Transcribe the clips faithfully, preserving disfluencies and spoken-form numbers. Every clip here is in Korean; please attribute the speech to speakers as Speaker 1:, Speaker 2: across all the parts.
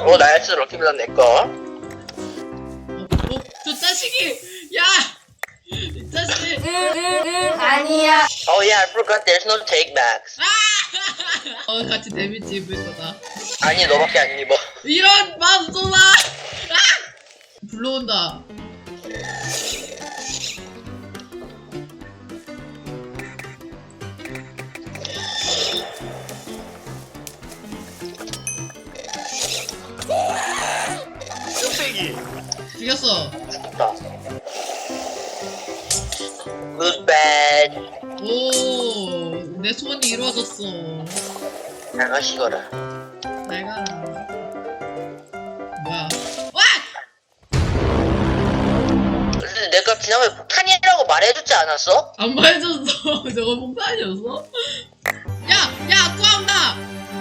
Speaker 1: 어 나이스 럭키블럭 내꺼.
Speaker 2: 어, 어, 저 자식이! 야! 이 자식!
Speaker 3: 아니야.
Speaker 1: Oh yeah, I forgot there's no take backs.
Speaker 2: 어, 같이 데미지 입을 거다.
Speaker 1: 아니 너밖에 안 입어.
Speaker 2: 이런 맘소나! 아! 불러온다. 죽였어.
Speaker 1: 죽다. Good bad.
Speaker 2: 오, 내 소원이 이루어졌어.
Speaker 1: 잘 가시거라.
Speaker 2: 잘 가라. 뭐야? 와!
Speaker 1: 근데 내가 지난번에 폭탄이라고 말해줬지 않았어?
Speaker 2: 안 말해줬어. 저거 폭탄이었어? 야! 야! 구한다!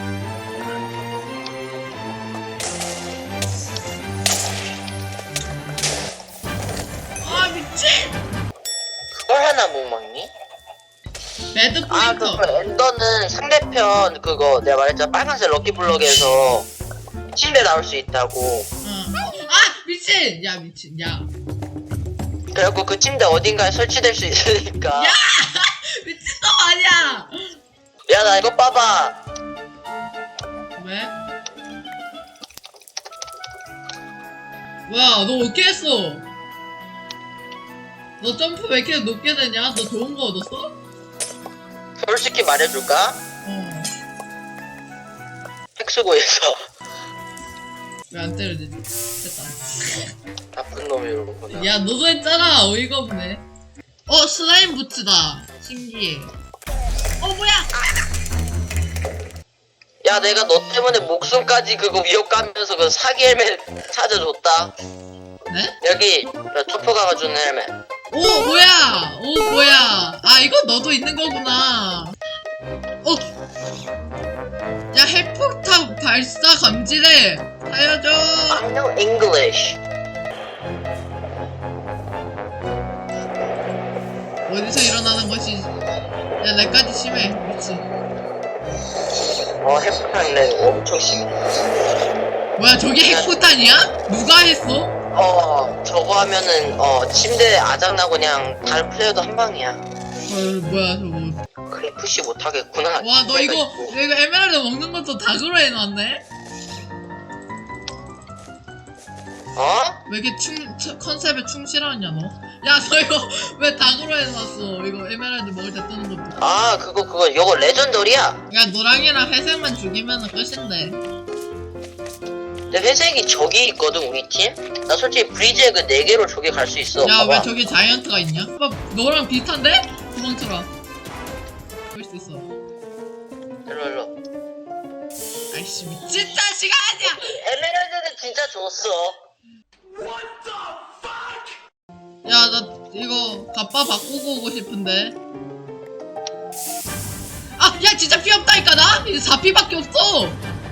Speaker 2: 아, 미친!
Speaker 1: 그걸 하나 못 먹니?
Speaker 2: 배드
Speaker 1: 아
Speaker 2: 포인터.
Speaker 1: 그거 엔더는 상대편 그거 내가 말했잖아 빨간색 럭키블럭에서 침대 나올 수 있다고.
Speaker 2: 응. 아! 미친! 야, 미친. 야.
Speaker 1: 그래갖고 그 침대 어딘가에 설치될 수 있으니까.
Speaker 2: 야! 미친놈 아니야!
Speaker 1: 야 나 이거 봐봐.
Speaker 2: 왜? 뭐야, 너 어떻게 했어? 너 점프 왜 이렇게 높게 되냐? 너 좋은 거 얻었어?
Speaker 1: 솔직히 말해줄까?
Speaker 2: 어.
Speaker 1: 핵 쓰고 있어.
Speaker 2: 왜 안 때려지지? 됐다.
Speaker 1: 나쁜 놈이 이러구나.
Speaker 2: 야, 너도 했잖아. 어이가 없네. 어, 슬라임 부츠다. 신기해. 어, 뭐야?
Speaker 1: 야 내가 너 때문에 목숨까지 그거 위협 가면서 그 사기 헬멧 찾아줬다.
Speaker 2: 네?
Speaker 1: 여기 나 초포가가 주는 헬멧.
Speaker 2: 오, 뭐야? 오, 뭐야? 아, 이거 너도 있는 거구나. 어. 야, 핵폭탄 발사 감지래. 살려줘.
Speaker 1: I know English.
Speaker 2: 어디서 일어나는 것이? 야, 내까지 심해. 미치.
Speaker 1: 어 핵폭탄이네. 엄청 심해.
Speaker 2: 뭐야, 저게 핵폭탄이야? 누가 했어?
Speaker 1: 어 저거 하면은 어 침대 아작나고 그냥 다른 플레이어도 한 방이야.
Speaker 2: 어, 뭐야, 저거.
Speaker 1: 그래 푸시 못하겠구나.
Speaker 2: 와, 너 이거, 너 이거 에메랄드 먹는 것도 다그로 해놨네?
Speaker 1: 어?
Speaker 2: 왜 이렇게 충, 처- 컨셉에 충실하냐, 너? 야, 너 이거 왜 다그로 해놨어? 이거 에메랄드 먹을 때 뜨는 것도.
Speaker 1: 아 그거 그거 이거 레전더리야.
Speaker 2: 야, 노랑이랑 회색만 죽이면은 끝인데.
Speaker 1: 근데 회색이 저기 있거든 우리 팀. 나 솔직히 브리즈에 그 네 개로 저기 갈 수 있어.
Speaker 2: 야,
Speaker 1: 봐봐.
Speaker 2: 왜 저기 자이언트가 있냐? 오빠, 너랑 비슷한데? 도망쳐라. 볼 수 있어.
Speaker 1: 일로 일로.
Speaker 2: 아이씨, 미친 자식아 아니야!
Speaker 1: 에메랄드는 진짜 줬어.
Speaker 2: 야, 나 이거 갑바 바꾸고 오고 싶은데. 아, 야, 진짜 피 없다니까, 나? 이제 사 피밖에 없어!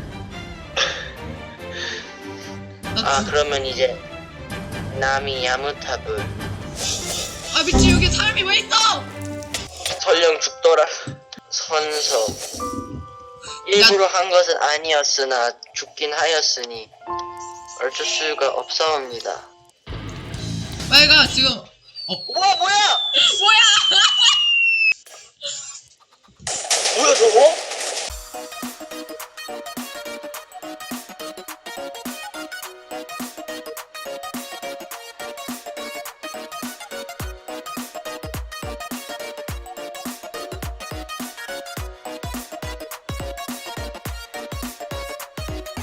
Speaker 2: 나
Speaker 1: 아
Speaker 2: 진-
Speaker 1: 그러면 이제 나미 야무타불
Speaker 2: 아, 미친, 여기 사람이 왜 있어!
Speaker 1: 설령 죽더라. 선서 일부러 한 것은 아니었으나 죽긴 하였으니 어쩔 수가 없사옵니다.
Speaker 2: 빨리 가, 지금. 어,
Speaker 1: 우와 뭐야?
Speaker 2: 뭐야!
Speaker 1: 뭐야 저거?